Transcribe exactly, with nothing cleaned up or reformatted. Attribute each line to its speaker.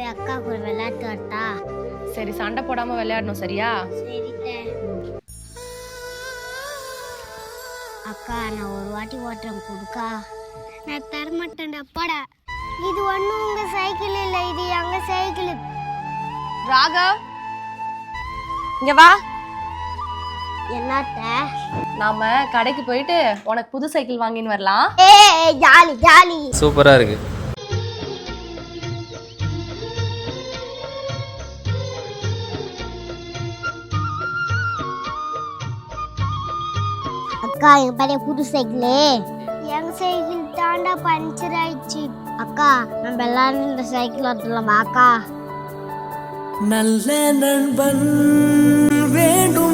Speaker 1: அக்கா கூட விளையாட்டு வரட்டா?
Speaker 2: சரி, சண்டை போடாம விளையாடணும், சரியா?
Speaker 1: சரிட்ட. அக்கா நான் ஒரு வாட்டி ஓட்டுறேன் கொடுக்கா. நான் தரமாட்டேன்டா போடா. இது ஒன்றும் உங்க சைக்கிள் இல்லை, இது எங்க சைக்கிள்.
Speaker 2: ராகவ், இங்க வா.
Speaker 1: என்னத்த?
Speaker 2: நாம கடைக்கு போயிட்டு உனக்கு புது சைக்கிள் வாங்கின்னு வரலாம்.
Speaker 1: ஏய் ஜாலி ஜாலி.
Speaker 3: சூப்பரா இருக்கு.
Speaker 1: அக்கா எங்க பழைய புது சைக்கிளு. எங்க சைக்கிள் தாண்டா பஞ்சர் ஆயிடுச்சு. அக்கா நம்ம எல்லாரும் இந்த சைக்கிள் ஓட்டலாமா அக்கா?
Speaker 4: நல்ல நண்பன் வேண்டும்.